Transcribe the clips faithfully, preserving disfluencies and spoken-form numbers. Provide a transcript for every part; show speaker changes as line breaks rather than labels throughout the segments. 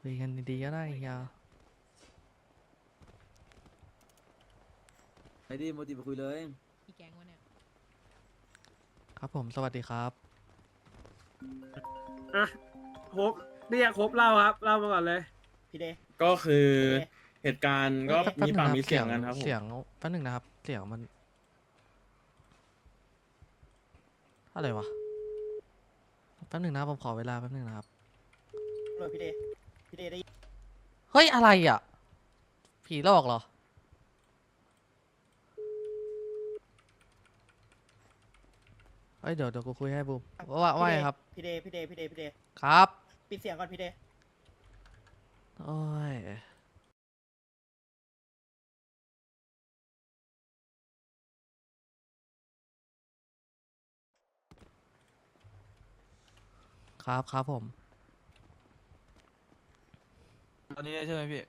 ยกันดีๆก็ได้เฮีย
ไอ้ดิโมจิไปคุยเลย
อีแก๊งวะเนี่ย
ครับผมสวัสดีครับ
อ่ะครบเรียกครบเล่าครับเล่ามาก่อนเลย
พี่เด
ก็คือ
โอเค
เหตุการณ์ก็
แป๊บแป๊บ
มี
หนึ่
ปาก
ง
มี
นะ
เสียงกันครับผม
เสียงแป๊บหนึงนะครับ เสียงมันอะไรวะแป๊บหนึงนะผมขอเวลาแป๊บหนึงนะครับ
โหลดพี่เดพี่เดได้ยิน
เฮ้ยอะไรอ่ะ ผีหลอกเหรอเฮ้ยเดี๋ยวเดี๋ยวกูคุยให้บูมว่าว่าไงครับ
พี่เดพี่เดพี่เดพี่เด
ครับ
ปิดเสียงก่อนพี่เด
โอ้ยครับครับผม
ตอนนี้ใช่ไหมพี่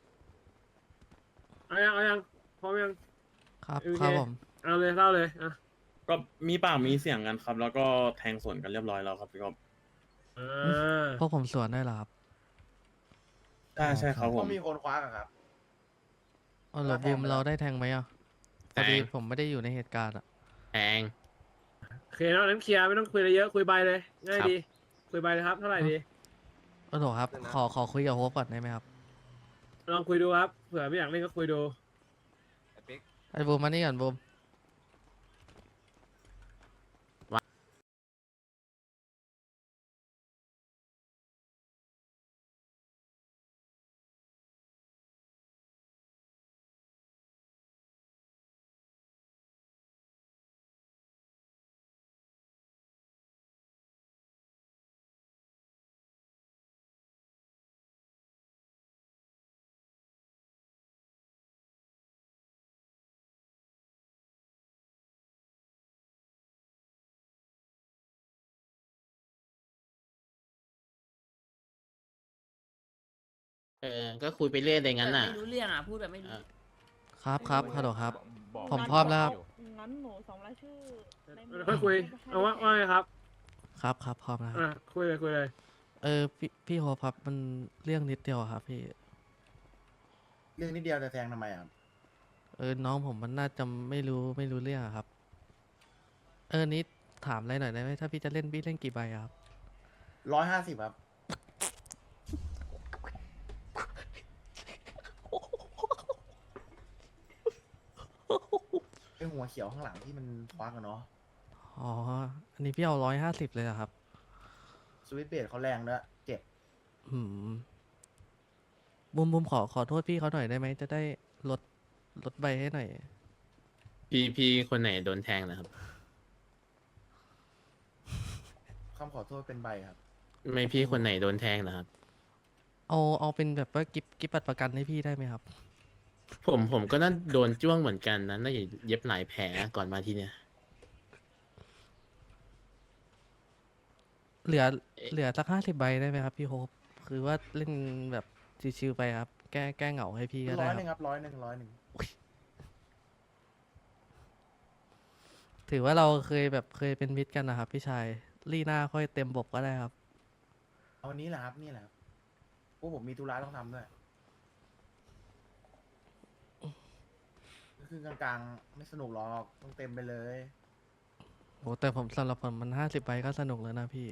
เอายังเอายังพร้อมยัง
ครับ
โอเค
ครับผม
เอาเลยเล่าเลยอ่ะ
ก็มีปากมีเสียงกันครับ แล้วก็แทงสวนกันเรียบร้อยแล้วครับพี่กบ
อ่า
พวกผมสวนได้เหรอครับ
ใช่ใช่ครับผ
ต้อ
ม
งมีคนคว้ากันครับ
อ๋อเหรอ
แท
บู
ง
ม
ไปแล้ว
เราได้แทงไหมอ่ะพ
แท
อง ดีผมไม่ได้อยู่ในเหตุการณ์อ่ะ
แพง
โอเคเนาะนั้นเคลียร์ไม่ต้องคุยอะไรเยอะคุยใบเลยง่าย
ครับ
ดีคุยใบเลยครับเท่าไหร่ดี
โอ้โหครับ ขอขอคุยกับโฮปก่อนได้ไหมครับ
ลองคุยดูครับเผื่อไม่อยากเล่นก็คุยดู
ไอ้บูมมานี่ก่อนบูม
เออ ก็คุยไปเรื่อยอะไรงั้นน่ะ
ไม่รู้เรื่องอ่ะ พูดแบบไม่รู้
อ่ะ
ครับครับฮัลโหลครับ ผม
งั้น
พร้อมแล้วครับ
งั้นหนูส่งรายชื่อในมือ
ค่อยคุยเอาว่าว่าไงครับ
ครับครับพร้อมแล้วค
อ่ะ
รับ
คุยเลยคุยเลย
เออพี่พี่โฮปครับมันเรื่องนิดเดียวอะครับพี่
เรื่องนิดเดียวจะแทงทำไมครับ
เออน้องผมมันน่าจะไม่รู้ไม่รู้เรื่องอะครับ เออนิดถามอะไรหน่อยได้ไหมถ้าพี่จะเล่นพี่เล่นกี่ใบอะครับ
ร้อยห้าสิบครับ ไอหัวเขียวข้างหลังที่มันคว้ากันเนาะ
อ๋ออันนี้พี่เอาร้อยห้าสิบเลยเหรอครับ
สวิตช์เบรดเขาแรงด้วยเจ็บ
อืมบุมบุมขอขอโทษพี่เขาหน่อยได้ไหมจะได้ลดลดใบให้หน่อย
พี่พี่คนไหนโดนแทงนะครับ
คำขอโทษเป็นใบครับ
ไม่พี่คนไหนโดนแทงนะครับ
เอาเอาเป็นแบบว่ากิฟกิฟบัตรประกันให้พี่ได้ไหมครับ
ผมผมก็น่าโดนจ้วงเหมือนกันนะน่าจะเย็บหลายแผลก่อนมาที่เนี่ย
เหลือเหลือสักห้าสิบใบได้ไหมครับพี่โฮปคือว่าเล่นแบบชิวๆไปครับ แก้แก้เหงาให้พี่ก็
ร้
ได้
อย
ค
หนึ่ง
รับ
ครับร้อยหนึ่งร้อยหนึ่ง
ถือว่าเราเคยแบบเคยเป็นมิตรกันนะครับพี่ชายลี่หน้าค่อยเต็มบบก็ได้ครับ
เอาวันนี้แหละครับนี่แหละครับพวกผมมีธุระต้องทำด้วยคือกลางๆ ไม่สนุกหรอกต้องเต็มไปเลย
โหแต่ผมสำหรับผมมันห้าสิบใบก็สนุกแล้วนะพี่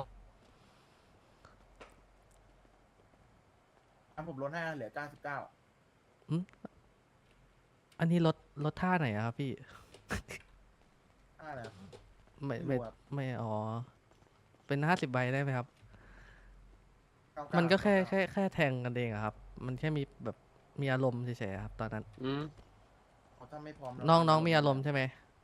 ทำผมลดให้เหลือเก้าสิบเก้า
อันนี้ลดลดท่าไหนอะครับพี่
อ่าแล้ว
ไม่
ไม่
ไม่
รู้ครับ
ไม่อ๋อ เป็นห้าสิบใบได้ไหมครับ
เก้าเา
มันก็แค่
เา
แค่แค่แทงกันเองอะครับ มันแค่มีแบบมีอารมณ์เฉยๆครับตอนนั้น
อืม
เขาถ้าไม่พร้อม
น้องน้องมีอารมณ์ใช่ไหม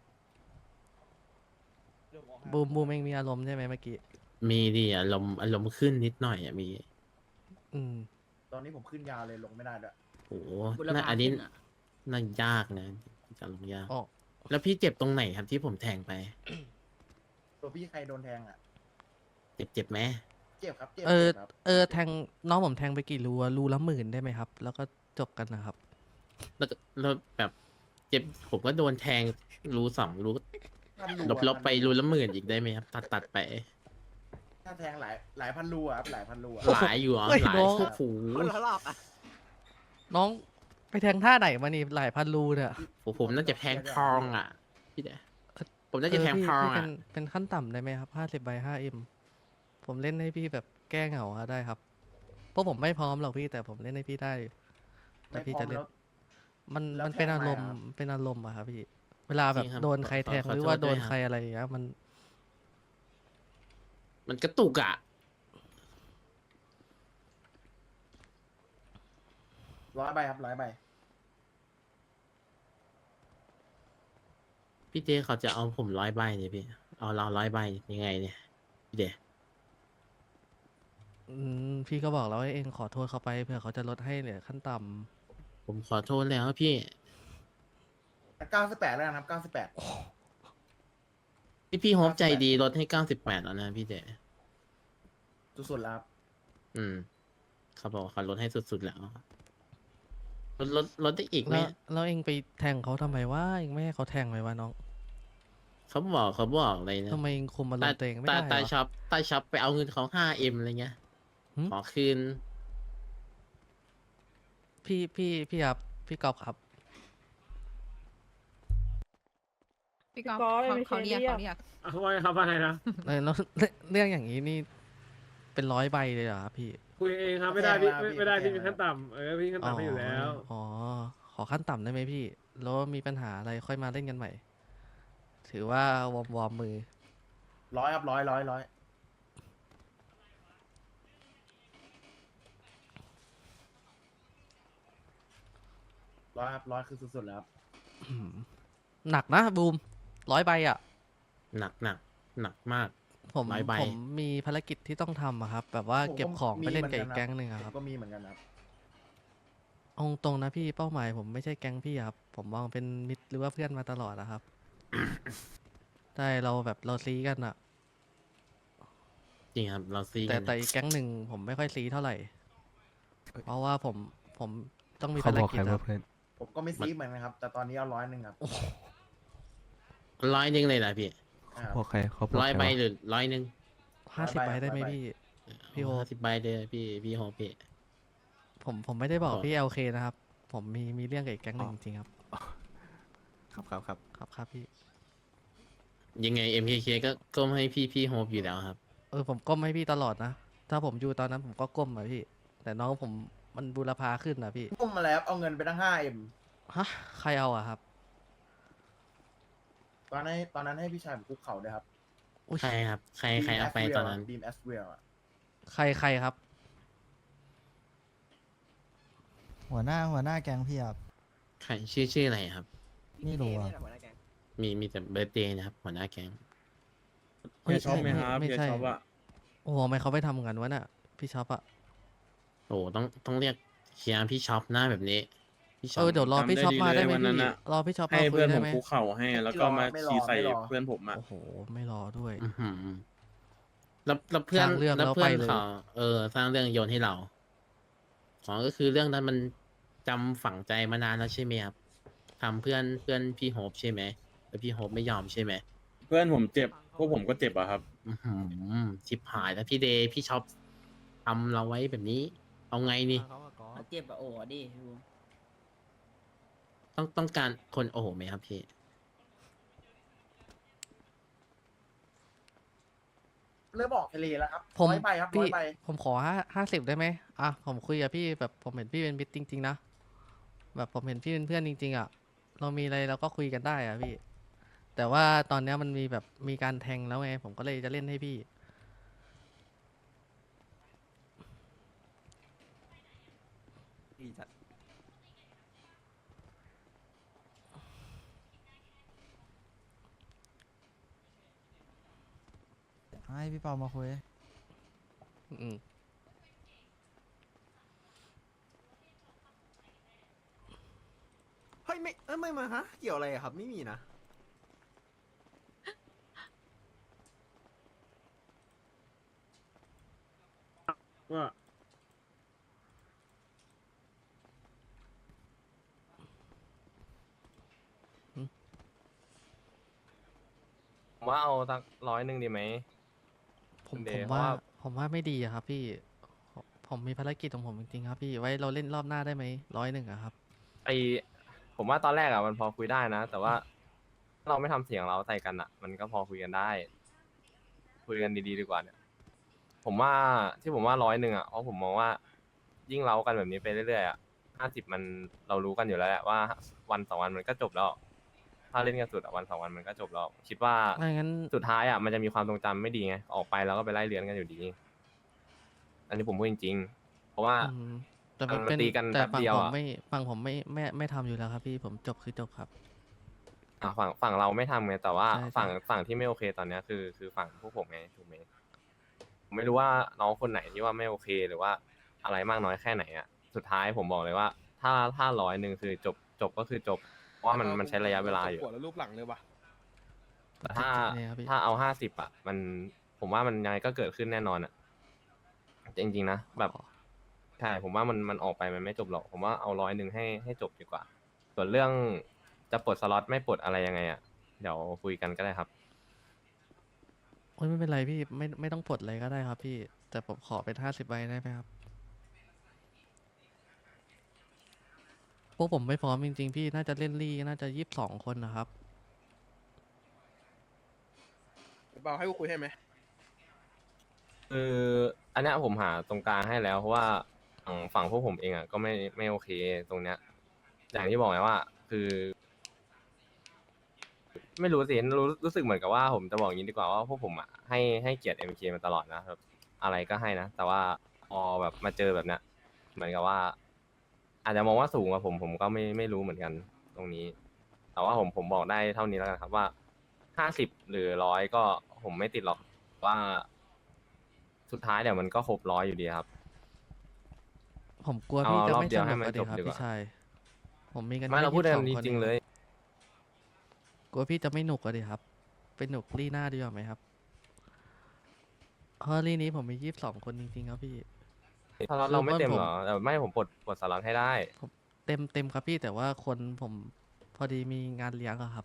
บูมบูมเองมีอารมณ์ใช่ไหมเมื่อกี้
มีดิอารมณ์อารมณ์ขึ้นนิดหน่อยอ่ะมี
อืม
ตอนนี้ผมขึ้นยาวเลยลงไม่ได้ด้วย
โอ้โห
บุร
น่า
พา
อันนี้
ขึ้นอะ
น่ายากนะจะลงยาก
อ๋อ
แล้วพี่เจ็บตรงไหนครับที่ผมแทงไป
ตัวพี่ใครโดนแทงอ่ะ
เจ็บเจ็บไหม
เจ็บครับเจ็บ
เออ
จ็บครับ
เออแทงน้องผมแทงไปกี่รูอะรูละหมื่นได้ไหมครับ แล้วก็จบกันนะครับ
แล้วก็แล้วแบบเจ็บผมก็โดนแทงรูสองรู
พันรู
ลบ
อะ
ลบไปรูละหมื่นอีกได้ไหมครับ ตัดตัดไป
ถ้าแทงหลายหลายพันรูอะครับหลายพันรูอะ
หลายอยู่เหรอ
เฮ้ย
หลาย
น้อง
โอ้โห
คนละรอบอ่ะ
น้องไปแทงท่าไหนมานี่หลายพันรูเนี่ย
ผมผมน่าจะแทงทองอ่ะพี่เดชผมน่าจะแทง
เพี่
ทอง
พี่เป็
อ่ะ
นเป็นขั้นต่ำได้ไหมครับห้าสิบใบห้าเอ็มผมเล่นให้พี่แบบแก้เหงาอะได้ครับเพราะผมไม่พร้อมหรอกพี่แต่ผมเล่นให้พี่ได้ แต่
ไม่
พี่
พร้อ
จะ
ม
เล่น
แล้ว
มัน
แล้ว
มันเป็น
แทง
อา
ทำไม
รมณ์
อะครับ
เป็นอารมณ์อะครับพี่ เวลาแบบ
จริงครับ
โดนใคร
ขอ
แทง
ขอ
หรือ
โทษ
ว่าโดน
ด้วยครับ
ใครอะไรอย่างเงี้ยมัน
มันกระตุกอ่ะ
ร้อยใบครับร้อยใบ
พี่เจเขาจะเอาผมร้อยใบเนี่ยพี่เอาเราร้อยใบยังไงเนี่ยพี่เดช
อืมพี่ก็บอกแล้วว่าเองขอโทษเขาไปเผื่อเขาจะลดให้เหลือขั้นต่ำ
ผมขอโทษแล้วพี่
เก้าสิบแปดแล้วนะครับเก้าสิบแปด
พี่พี่โฮปใจดีลดให้เก้าสิบแปดแล้วนะพี่เดช
สุดๆแล้วครับ
อืมเขาบอกว่าเขาลดให้สุดๆแล้วลดลดลดได้อีกไหม
แล้วแล้วเองไปแทงเขาทำไมวะเองไม่ให้เขาแทงเลยวะน้อง
เขาบอกเขาบอกอะไรนะ
ทำไมเองคุมอาร
ตาม
ณ์ตัวเองไม่
ตา
ได้
ตา
เหรอ
ช็อปตาช็อปไปเอาเงินเขาห้าเอ็มอะไรเงี้ย
หึ
ขอคืน
พี่พี่พี่ครับพี่กอบครับ
พี่ก๊อฟ
ก๊อฟ
เขา
ไม่
เขา
ใช่
เรียก
เรียก
เขาเรียก
เอาไว้ครับว่าไงนะ
เออแล้วเรื่องเรื่องอย่างนี้นี่เป็นร้อยใบเลยเหรอครับพี่
คุยเองครับไม่ได้พี่ไม่ไม่ได้พี่มีขั้นต่ำเออพี่ขั้นต่ำให้อยู่แล้ว
อ๋อขอขั้นต่ำได้ไหมพี่แล้วมีปัญหาอะไรค่อยมาเล่นกันใหม่ ถือว่าวอร์มวอร์มมือ
ร้อยครับร้อยร้อยร้อยร้อยครับร้อยคือสุดๆแล้วครับ
อืมหนักนะบูมร้อยใบอ่ะ
หนักหนักหนักมาก
ผม
ร้อยใบ
ผมมีภารกิจที่ต้องทำอะครับ แบบว่าเก็บของไปเล่นกับอีกแก๊งหนึ่งอะ
ผ
ครับ
มก็มีเหมือนกันครับ
เอาตรงนะพี่เป้าหมายผมไม่ใช่แก๊งพี่ครับ ผมมองเป็นมิตรหรือว่าเพื่อนมาตลอดนะครับ ใช่เราแบบเราซีกันอะ
จริงครับเราซี
แต่
กัน
แต่อีกแก๊งหนึ่งผมไม่ค่อยซีเท่าไหร่ เพราะว่าผมผมต้องมี
เขา
ภาร
บอก
กิ
ใค
จ
ร
ครั
ว่า
บ
เพื่อน
ผมก็ไม่ซีเหมือนกันครับ แต่ตอนนี้เอาร้อยหนึ่งครับ
ร้อยหนึ่งเลยนะพี่
อ่า
บอกใครเขาบอก
ร้อย
ใคร
ใบ
วะ
หรือร้อยหนึ่ง
ห้าสิบ
ร้อยใบ
ใบได้ไหม
ร้อยใบ
พี่ พี่โฮป
สิบใบเลยพี่พี่โฮปพี่
ผมผมไม่ได้บอก
อ๋อ
พี่เอลเคนะครับ ผมมีมีเรื่องกับอีกแก๊งหนึ่งจริงๆครับ
ครับครับครับ
ครับครับพี่
ยังไง เอ็ม เค เค ก็ก้มให้พี่พี่โฮปอยู่แล้วครับ
เออผมก้มให้พี่ตลอดนะ ถ้าผมอยู่ตอนนั้นผมก็ก้มอะพี่ แต่น้องผมมันบูรพาขึ้นนะพี่
พุ่มมาแล้วเอาเงินไปตั้งห้าเอ็ม
ฮะ ใครเอาอะครับ
ตอนนั้นตอนนั้นให้พี่ชายผมคุกเข่าด้วยครับ
อุ๊ย
ใครครับ ใครใครเอาไปตอนนั้น
บีมแอสเวลอะ
ใครใครครับ
หัวหน้าหัวหน้าแก๊งพี่ครับ
ใครชื่อชื่ออะไรครับ
ไม่รู้อะ
มีมีแต่เบอร์เดย์นะครับหัวหน้าแก๊ง
เฮ้
เฮี
ย
ยชอบไหม
ไม่
ครับ
ไม่
เฮีย
ใช่
ชอบอะ
โอ้โหทำไมเขาไม่ทำกันวะน่ะ พี่ช็อปอะ
โอ้ต้องต้องเรียกเคียร์พี่ช็อปหน้าแบบนี้พี่ช็
เอ
อป
อเดี๋ยวรอพี่ช็อปมาได้ไหม
วันนั้น
พี่
อะ
รอพี่ช็อป
ให้
มาคุย
เพื่อน
ได้
ผม
ไหม
คุกเข่าให้ แล้วก็มาชี้ใส่เพื่อนผมอะ
โอ้โห ไม่รอด้วย
อื้อหือแล้วแล้วเพื่อน
สร้างเรื่อง
แล้ว
แล้ว
เพื่อน
ไปเลย
เขาเออ สร้างเรื่องโยนให้เราของก็คือเรื่องนั้นมันจำฝังใจมานานแล้วใช่ไหมครับทำเพื่อนเพื่อนพี่โฮปใช่ไหมแล้วพี่โฮปไม่ยอมใช่ไหม
เพื่อนผมเจ็บ พวกผมก็เจ็บอะครับ
อื้อหือชิบหายแล้วพี่เดย์พี่ช็อปทำเราไว้แบบนี้ เอาไงนี่
เจ็บอะโอ้ดิ
ต้องต้องการคนโอ้โหไหมครับพี่
เริ่มออกทะเลแล้วครับ
ผม
ร้อยใบครับร้
พี่
อยใบ
ผมขอห้าห้าสิบได้ไหมอ่ะผมคุยกับพี่แบบผมเห็นพี่เป็นมิตรจริงๆนะ แบบผมเห็นพี่เป็นเพื่อนจริงๆอ่ะ เรามีอะไรเราก็คุยกันได้อ่ะพี่ แต่ว่าตอนเนี้ยมันมีแบบมีการแทงแล้วไง ผมก็เลยจะเล่นให้พี่
ให้พี่เปามาคุย
อืม
เฮ้ยไม่เอ้ยไม่มาฮะ เกี่ยวอะไรอะครับไม่มีนะ
ว่า
ผมว่าเอาสักร้อยหนึ่งดีไหม
ผผม
คุณเด
ผม
ย์เพราะ
ว่า
ว่า
ผมว่าไม่ดีอะครับพี่ผมผมมีภารกิจของผมจริงๆครับพี่ไว้เราเล่นรอบหน้าได้ไหมร้อยหนึ่งอะครับ
ไอผมว่าตอนแรกอะมันพอคุยได้นะ แต่ว่าถ้าเราไม่ทำเสียงเราใส่กันอะมันก็พอคุยกันได้ คุยกันดีๆดีกว่าเนี่ย ผมว่าที่ผมว่าร้อยหนึ่งอะเพราะผมมองว่ายิ่งเล้ากันแบบนี้ไปเรื่อยๆอะห้าสิบมันเรารู้กันอยู่แล้วแหละว่าวันสองวันมันก็จบแล้ว ถ้าเล่นกันสุดอะวันสองวันมันก็จบแล้ว คิดว่า
ไม่งั้น
สุดท้ายอะมันจะมีความทรงจำไม่ดีไงออกไปแล้วก็ไปไล่เรียนกันอยู่ดี อันนี้ผมพูดจริงๆ เพราะว่า
อืมแต่
มั
มัน
น
เป็น
ตีกัน
แต่
แป๊บ
ฝั่ง
เดียว
ผม
อะ
ไม่ฝั่งผมไม่ไม่ไม่ทำอยู่แล้วครับพี่ผมจบคือจบครับ
อ่ะฝั่งฝั่งเราไม่ทำไงแต่ว่า
ใช่
ฝั่ง
ใช่
ฝั่งที่ไม่โอเคตอนเนี้ยคือคือฝั่งพวกผมไงถูกไหมผมไม่รู้ว่าน้องคนไหนที่ว่าไม่โอเคหรือว่าอะไรมากน้อยแค่ไหนอ่ะสุดท้ายผมบอกเลยว่า ถ้าถ้าร้อยหนึ่งคือจบจบก็คือจบเพราะว่ามันมันใช้ระยะเวลาอยู่
หัวแล้วรูปหลังเลยว่ะ
แต่ถ้า
เนี่ยครับพี่
ถ้าเอาห้าสิบอ่ะ มันผมว่ามันยังไงก็เกิดขึ้นแน่นอนอ่ะจริงๆนะแบบใช่ผมว่ามันมันออกไปมันไม่จบหรอกผมว่าเอาร้อยหนึ่งให้ให้จบดีกว่า ส่วนเรื่องจะปลดสล็อตไม่ปลดอะไรยังไงอ่ะเดี๋ยวคุยกันก็ได้ครับ
โอ้ยไม่เป็นไรพี่ไม่ไม่ต้องปลดอะไรก็ได้ครับพี่ แต่ผมขอเป็นห้าสิบใบได้ไหมครับพวกผมไม่พร้อมจริงๆพี่น่าจะเล่นลี่น่าจะยี่สิบสองคนนะครับ
เบาให้กูคุยให้ไหม
คืออันเนี้ยผมหาตรงกลางให้แล้วเพราะว่าฝั่งฝั่งพวกผมเองอ่ะก็ไม่ไม่โอเคตรงเนี้ย อย่างที่บอกไงว่า คือ ไม่รู้สิรู้รู้สึกเหมือนกับว่าผมจะบอกอย่างนี้ดีกว่าว่าพวกผมอ่ะให้ให้เกียรติ เอ็ม เค มาตลอดนะครับอะไรก็ให้นะแต่ว่าพอแบบมาเจอแบบเนี้ยเหมือนกับว่า อาจจะมองว่าสูงกว่าผมผมก็ไม่ไม่รู้เหมือนกันตรงนี้ แต่ว่าผมผมบอกได้เท่านี้แล้วกันครับว่าห้าสิบหรือร้อยก็ผมไม่ติดหรอกว่า สุดท้ายเดี๋ยวมันก็ครบร้อยอยู่ดีครับ
ผมกลัว
เอา
พี่จะ
รอบ
ไม่
เดี
ส
ยวให้
นุก
มัน
อะดิ
จบ
ครับ
ดีกว่า
พี่ชายผมมีกัน
ไม่เราพูด
แค่
กัน
ยี่สิบสอง
จริง
คน
ๆเลย
กลัวพี่จะไม่หนุกอะดิครับเป็นหนุกลี่หน้าดีกว่าไหมครับเพราะลี่นี้ผมมียี่สิบสองคนจริงๆครับพี่
สล็อตเราไม่เต็ม
คือ
เหรอแต่ไม่ผมปลดปลดสล็อตให้ได้
เต็มเต็มครับพี่แต่ว่าคนผมพอดีมีงานเลี้ยงอะครับ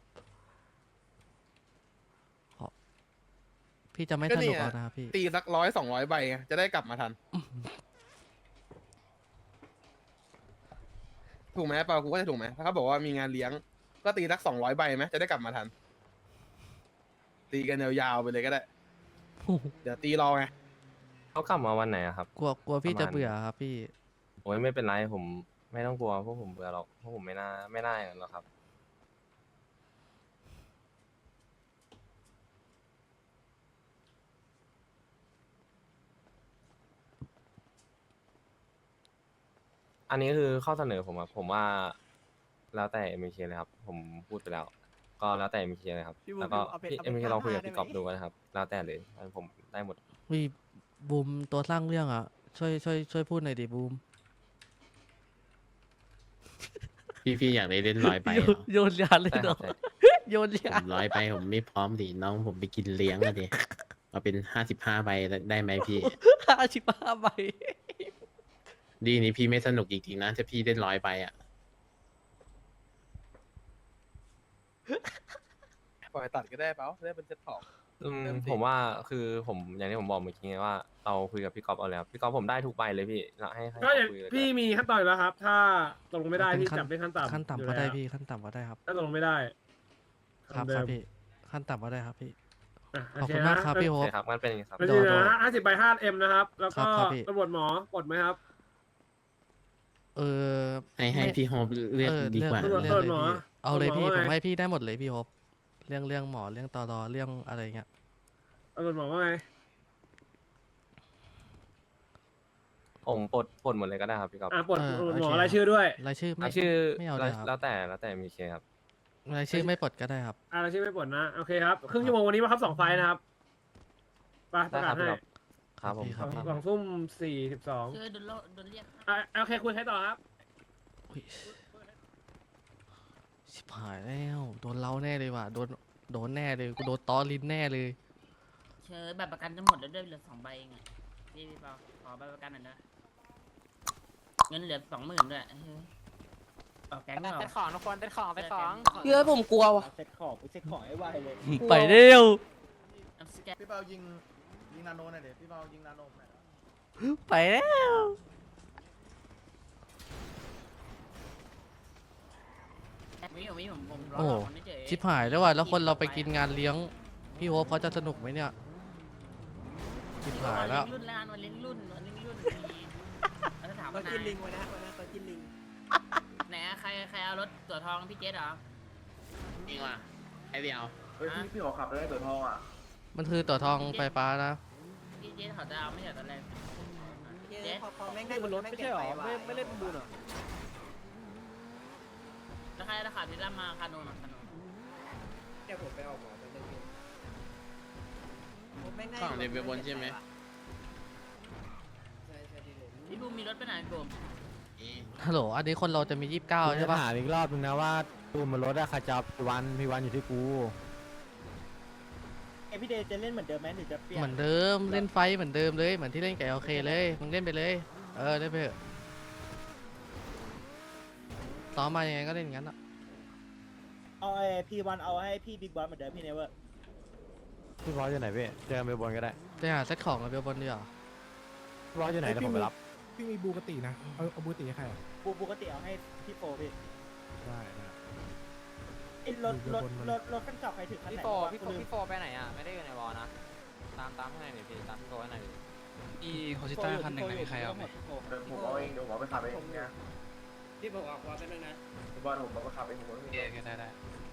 ขอพี่จะไม่
ก็
ส
นี่
นุก
ไง
แล้วนะครับพี่
ตีสักร้อยสองร้อยใบไงจะได้กลับมาทัน ถูกไหมเปล่ากูก็จะถูกไหมถ้าเขาบอกว่ามีงานเลี้ยง ก็ตีสักสองร้อยใบไหมจะได้กลับมาทัน ตีกันยาวๆไปเลยก็ได้ เดี๋ยวตีรอไง
เขากลับมาวันไหนอะครับ
กลัวกลัวพี่
ประมาณ
จะเบื่อครับพี่
โอ้ยไม่เป็นไรผมไม่ต้องกลัวพวกผมเบื่อหรอกพวกผมไม่น่าไม่น่าอย่างนั้นหรอกครับ อันนี้คือข้อเสนอผมอะผมว่า แล้วแต่เอ็มเคเลยครับ ผมพูดไปแล้ว ก็แล้วแต่เอ็มเคเลยครับ
พี่บูม
แล้วก็
เอาเป็น
พี่
เอา
เอ็
เป็น
มเคลองคุยกับ
ห้า
พี่กอฟ
ได้ไหม
ดูนะครับ แล้วแต่เลยอันผมได้หมด
วีบูมตัวสร้างเรื่องอ่ะ ช่วยช่วยช่วยพูดหน่อยดิบูม
พี่พี่อยากได้เล่นร้อยไป
โย
เหร
น
อ
โยนยาเลย
ใช่ค
เนาะ
รับใช่
โยน
ผ
ยาม
ร้อยไปผมไม่พร้อมดิน้องผมไปกินเลี้ยงอะดิเอาเป็นห้าสิบห้าใบได้ไหมพี่
ห้าสิบห้าใบ
ดีนี้พี่ไม่สนุกจริงๆนะถ้าพี่เล่นร้อยไปอ่ะ
ปล่อยตัดก็ได้เปล่าได้เป็นเซ็ตของ
อืม
เริ่มสิ
ผมว่าคือผมอย่างที่ผมบอกเมื่อกี้ไงว่าเราคุยกับพี่กอฟเอาแล้วพี่กอฟผมได้ทุกใบเลยพี่เราให้ให้
ก็อย่าง
เขาคุยเลย
พี่มีขั้นตอนอยู่แล้วครับ ถ้าตกลงไม่ได้
เป็น
พี่
ขั้น
จับเป็นขั้นต่ำ
ขั้น
อยู่
ต่ำก็
แล้ว
ได้พี่ขั้นต่ำก็ได้ครับ
ถ้าตกลงไม่ได้
ครับ
เดิ
ครับ
ม
พี่ขั้นต่ำก็ได้ครับพี่
อ่ะ
ขอบ
โเ
คุณมากครับพี่โฮ
โอ
ป
เคครับงั้นเป็นอย่างนี้ครับ
มัน
โด
จริง
โด
นะห้าสิบใบห้าเอ็มนะครับ แล้ว
ครั
ก็
บครับพี่
ตำรวจหมอปลดไหมครับ
เออ
ให้ให้
ไม่
พี่โฮปเลือก
เออ
ดีกว่า
เลือก
ตำรวจ
เลือกเลย
หมอ
พี่เอาเลยพี่
ตำรวจหมอ
ผม
ว่าไง
ให้พี่ได้หมดเลยพี่โฮปเรื่องเรื่องหมอเรื่องตอรอเรื่องอะไรเงี้ย
ตำรวจหมอว่าไง
ผมปลดปลดหมดเลยก็ได้ครับพี่กอฟ
อ่ะปลด
เออ
ตำรวจหมอ
โอเค
รายชื่อด้วย
รายชื่อไม่
รายชื่อ
ไม่เอาเล
แล้ว
ยครับ
แล้วแต่แล้วแต่มีเคครับ
รายชื่อไม่ปลดก็ได้ครับ
อ่ะรายชื่อไม่ปลดนะ โอเคครับ ครึ่งชั่วโมงวันนี้มาครับสองไฟล์นะครับไปป
ได้
ระ
ค
กา
รั
ศ
บพี่
ให้
กอฟครับผม
ครับพี่
สองทุ่มสี่สิบสอง
คือโดนโลโดนเรียก
อ่ะโอเคคุยใครต่อครับ
อุ๊ยชิบหายแล้วโดนเล้าแน่เลยว่ะโดนโดนแน่เลยกูโดนตอลิ้นแน่เลย
เชิญแบบประกันจะหมดแล้วด้วยเหลือสองใบเองอะพี่พี่เปาขอใบประกันหน่อยนะเงินเหลือสองหมื่นด้วยเฮ้ยออกแก๊งเปล่า
เซ็ตของทุกคนเซ็ตของเซ็ตของ
เยอะผมกลัวว่ะ
เซ็ตของเซ็ตของไอ้ไวเลย
ไปเร็ว
เอาสแกน
พี่เปายิง
ยิงนาโนหน่อยเดี๋ยวพี่เปายิงนาโนหน่อย
ไปแล้ว
มีอยู่มีผมผมรอ
โอ้
รอคนนี้เฉย
ชิบหายแล้วว่ะแล้วคนเราไปกินงานเลี้ยงพี่โฮปเขาจะสนุกไหมเนี่ยชิบหายแล้ว
เลี้ยงรุ่นแล้ววันเลี้ยงรุ่นวันเลี้ยงรุ่นมีแล้วถาม
ก็
ว่า
กินลิ
นาย
งไว้นะวันนั้นก็กินลิง
ไหนอะใครใครเอารถตัวทองพี่เจสเหรอ
จริงว่ะไอเดียว
เฮ้ยพี่พี่
มันคือตัวทองไฟฟ้านะ
พี่เจสเขาจะเอาไม่ใช่ตอนแรก
เจ๊พอพอแม่งได้บนรถไม่ใช่หรอไม่ไม่เล่นบุญอ่ะ
แล้วใครราคาที่รับมาคาโนนคาโนน
เดี๋ยวผมไปออกหมอจะเล่นผมแม่งได้
ฝั่งเดบิวบนใช่ไหม
ใช่ใช่ที่เลย
พี่บูมมีรถไปไหนพี่บูม
ฮัลโหลอันนี้คนเราจะมียี่สิบเก้าใช่ปะ
ถามอีกรอบนึงนะว่าตูนบนรถอะใครจะพี่วันพี่วันอยู่ที่กู
เอพี่เดย์จะเล่นเหมือนเดิมไหมหรือจะเปลี่ยน
เหมือนเดิมเล่นไฟเหมือนเดิมเลยเหมือนที่เล่นกับโอเคเลยมึงเล่นไปเลยเออเล่นไปเถอะซ้อมมายังไงก็เล่นอย่างนั้นอ่ะ
เอาไอพีวันเอาให้พี่บิ๊กบอสเหมือนเดิมพี่เนเวอร์
พี่บอสอยู่ไหนพี่เจอกันไปบนก็ได้
ไปหาเซตของกับเบลบอลดีกว่า
พี่บอสอยู่ไหนแล้วผมไปรับ
พี่มีบูกตินะ เอาเอาบูกติให้ใครอ่ะ
ปูปกติเอาให้พี่โฟพี่
ได้ได้
ไอ้รถรถรถรถคันเก่าใครถือคันไหน
พี่โฟ
วะ
พี่โฟ
ลืม
พี่โฟไปไหนอ่ะ ไม่ได้อยู่ในวอลนะ ตามตามข้างในหน่อยพี่ตามพี่โฟให้หน่อยดิ
อีโคชิต้าคันหนึ่งไหนใครเอาไหม
ผมเอาเองเดี๋ยวผมไปขับเองนะ
พี่บอกออกว่าเป็นเรื่องนะ
บอลผมไปขับเองผมไม่มี
เออได้ได้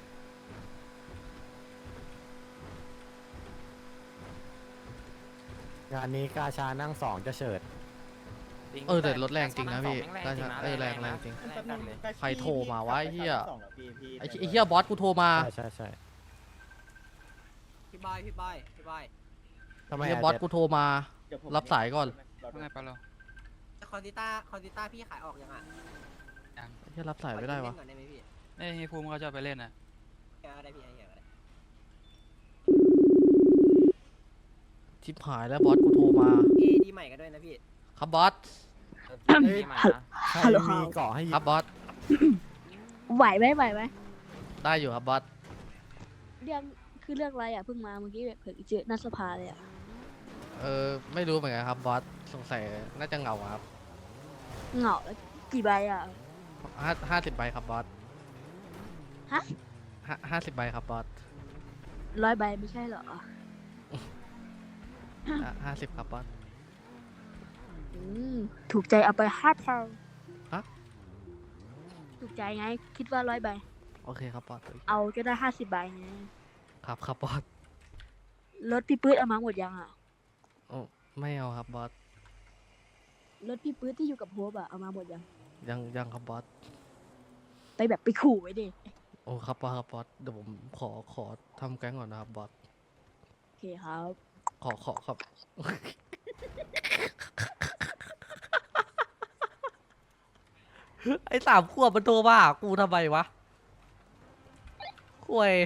งานนี้กาชานั่งสองจะเฉิด
เออแต่รถแรงจริงนะพี่ก็ใช่เออแรงแรงจริง
แป๊บนึง
ใครโทรมาวะไอ้เหี้ย
สองเหรอพี่พี่
ไอ้ไอ้เฮียบอสกูโทรมา
ใช่ใช่ใช่
พี่บอยพี่บอยพี่บอย
ทำไม
ไอ้เฮีย
อะ
บอส
เจ็ด
กูโทรมา
เดี๋ยวผม
รับสายก่อน
ว่าไงปะเรา
คอนติต้าคอนติต้าพี่ขายออกยังอ่ะ
ไอ้เฮียรับสายไม่ได้วะ
ก่อนได้ไหมพี่
เอ้ยให้ภูมิเขาจะไปเล่นอ่ะ
แกได้พี่ไอ้เหี้ยก็ได้
ชิบหายแล้วบอสกูโทรมา
เอดีใหม่กันด้วยนะพี่
ครับบอส
พี่ใหม่นะ
ใครมีเกาะให้ยิ
ครับบอส
ไหวไหมไหวไหม
ได้อยู่ครับบอส
เรื่องคือเรื่องอะไรอ่ะเพิ่งมาเมื่อกี้แบบเพิ่งเจอหนัสภาเลยอ่ะ
เออไม่รู้เหมือนกันครับบอสสงสัยน่าจะเหงาครับ
เหงาแล้วกี่ใบอ่ะ
ห้าห้าสิบใบครับบอส
ฮะ
ห้าห้าสิบใบครับบอส
ร้อยใบไม่ใช่เหรอ
ห้าสิบครับบอส
อืมถูกใจเอาไปห้าพัน
ฮะ
ถูกใจไง คิดว่าร้อยใบ
โอเคครับบอส
เอาก็ได้ห้าสิบใบไง
ครับครับบอส
รถพี่ปื๊ดเอามาหมดยังอ่ะ
โอ้ไม่เอาครับบอส
รถพี่ปื๊ดที่อยู่กับโฮปอ่ะเอามาหมดยัง
ยังยังครับบอส
ไปแบบไปขู่ไว้ดิ
โอ้ครับบอสครับบอสเดี๋ยวผมขอขอทำแก๊งก่อนนะครับบอส
โอเคครับ
ขอขอครับ ไอ้สามขวบมันโทรมาหากูทำไมวะคุย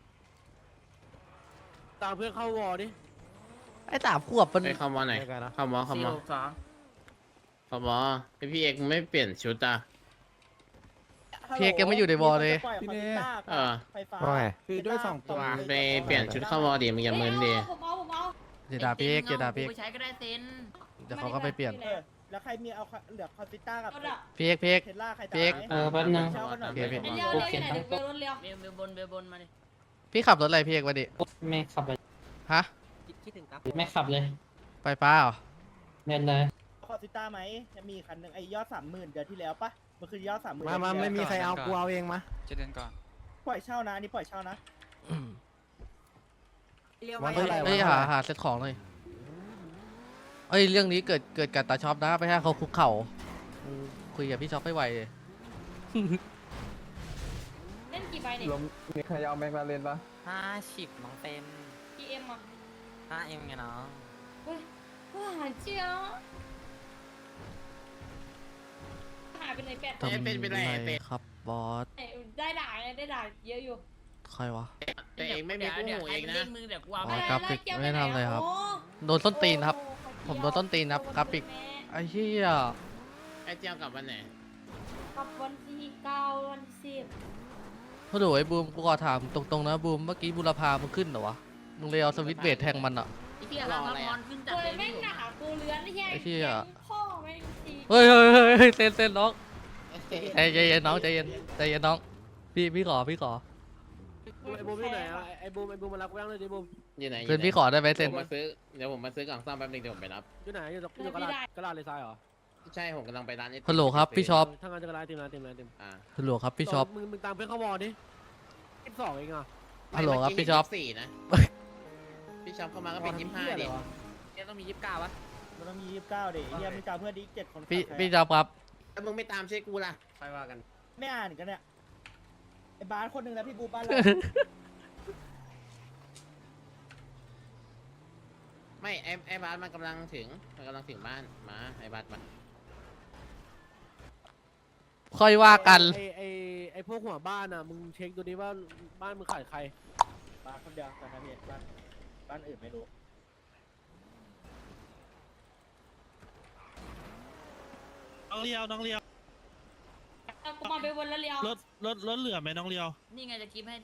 ตามเพื่อนเข้าวอดิ
ไอ้สามขวบมัน
ไปเข้าวอไหน
เจอกันนะ
เข้าวอเข้า
สี่
วอ
หกสอง
เข้าวอไอพี่เอกไม่เปลี่ยนชุดอ่ะ
เพียกยังไม่อยู่ในวอลเลย
พี่เนย์
เออ
ไฟฟ้า
ว่าไง
คือด้วยสองตัว
ไปเปลี่ยนชุดเข้าวอดิมันอย่ามึนดิ
ผมเอาผมเอา
เจดาพี่เอกเจดาพี่เอก
ไปใช้ก็ได้เซน
เดี๋ยวเขาก็ไปเปลี่ยน
เออแล้วใครมีเอาเหลือคอนติต้ากับ
พี่เอกพี่เอก
เทสลาใครจะ
พี่เอก
ไหม
เออแป๊บนึง
เช่ากันหน่อย
โอเคพี่
เร็วเร็วอยู่ไหนเดี๋ยวเร็วเร็ว
เบลเบลบนเบลบนมาดิ
พี่ขับรถอะไรพี่เอกวะดิ
ไม่ขับเลย
ฮะ
คิดถึงครับ
ไม่ขับเลย
ไปป้าเหรอ
เล่นเลย
คอนติต้าไหมจะมีคันหนึ่งไอ้ยอดสามหมื่นเดือนที่แล้วปะมันคือยอดสามหมื่น
มามาไม่มีใครเอากูเอาเองมา
จะเดินก่อน
ปล่อยเช่านะอันนี่ปล่อยเช่านะ
เรียว
วั
ไว้
น
เฮ้ย
เท่าไหร่
เฮ้ย
วัน
หา
เท่าไหร่
หาเซ็ตของเลยเอ้ยเรื่องนี้เกิดเกิดกับตาช็อปนะไปให้เขาคุกเข่าอืมคุยกับพี่ช็อปไม่ไหวเลย
เล่นกี่ใบเนี่ย
มีใครเอาแม็กลาเรนปะ
ห้าสิบน้องเต็ม
กี่เอ็มอ่ะ
ห้าเอ็มไงน้อง
เฮ้ยหาเจียวหายไปไหนแปด
ทำไรครับบอส
ได้ด่าไงได้ด่าเยอะอยู่
ใครวะ
แต่เองไม่มีคู่หูเองนะ
เล่นมือเดี๋ยวกูเอา
อ๋
ไป
อกราฟิกไม่ทำเลยครับ โดนส้นตีนครับ ผมโดนต้นตีนครับกราฟิกไอ้เหี้ย
ไอเจียวกลับวันไหน
กับวันที่เก้าวันที่สิบ
โอ้โหไอ้บูมกูขอถามตรงๆนะบูมเมื่อกี้บุรพามึงขึ้นเหรอวะมึงเลยเอาสวิตช์เบรดแทงมันอ่ะ
ไอ้เหี้ยร้านพมรขึ้นจัดเลยไม่หนา
กูเลื้อนแย่
ไอ้ที่อ่ะ
พ่อไม่ตี
เฮ้ยเฮ้ยเฮ้ยเฮ้ยเซนเซนน้องใจใจเย็นน้องใจเย็นใจเย็นน้องพี่พี่ขอพี่ขอ
ไอ้บูมอยู่ไหนอ่ะไอ้บูมไอ้บูมมารับกูยังเลยดิบูม
อยู่ไหน
เซนพี่ขอได้ไหมเซน
ผมมาซื้อเดี๋ยวผมมาซื้อกล่องซ่อมแป๊บนึงเดี๋ยวผมไปรับ
อยู่ไหนอยู่ตรงอยู่กระดาษกระดาษเลยทรายเหรอ
ใช่ผมกำลังไปร้าน
ฮัลโหลครับพี่ช็อป
ถ้างานจะกระดาษเต็มร้านเต็มร้านเต็ม
อ่า
ฮัลโหลครับพี่ช็อป
มึงมึงตามเพื่อนเข้าวอร์ดิยี่สิบสองเองอ่ะ
ฮัลโหลครับพี่ช็อป
เมื่กี้เห็นยี่สิบสี่นะพี่ช็อปเข้ามาก็เป็นยี่สิบห้าดิเนี่ยต้องมียี่สิบเก้าวะ
มันต้องมียี่สิบเก้าดิเฮียมึงตามเพื่อนดิเจ็ดคน
พี่พี่ช็อปครับ
แล้วมึงไม่ตามช่วยกูล่ะไปว่ากัน
ไม่อ่านกันเนี่ยไอ้บาสคนหนึ่งแล้วพี่บูบ้านเรา
ไม่ไอ้ไอ้บาสมันกำลังถึงมันกำลังถึงบ้านมาไอ้บาสมา
ค่อยว่ากัน
ไอ้ไอ้ไอ้พวกหัวบ้านอ่ะมึงเช็คดูดิว่าบ้านมึงขายใคร
บาสคนเดียวแต่ครับพี่บ้านบ้านอื่นไม่รู้
น้องเลียวน้องเลียว
กูมาไปวนแล้วเลี้ยว
รถรถรถเหลือไหมน้องเลียว
นี่ไงจะคลิปให้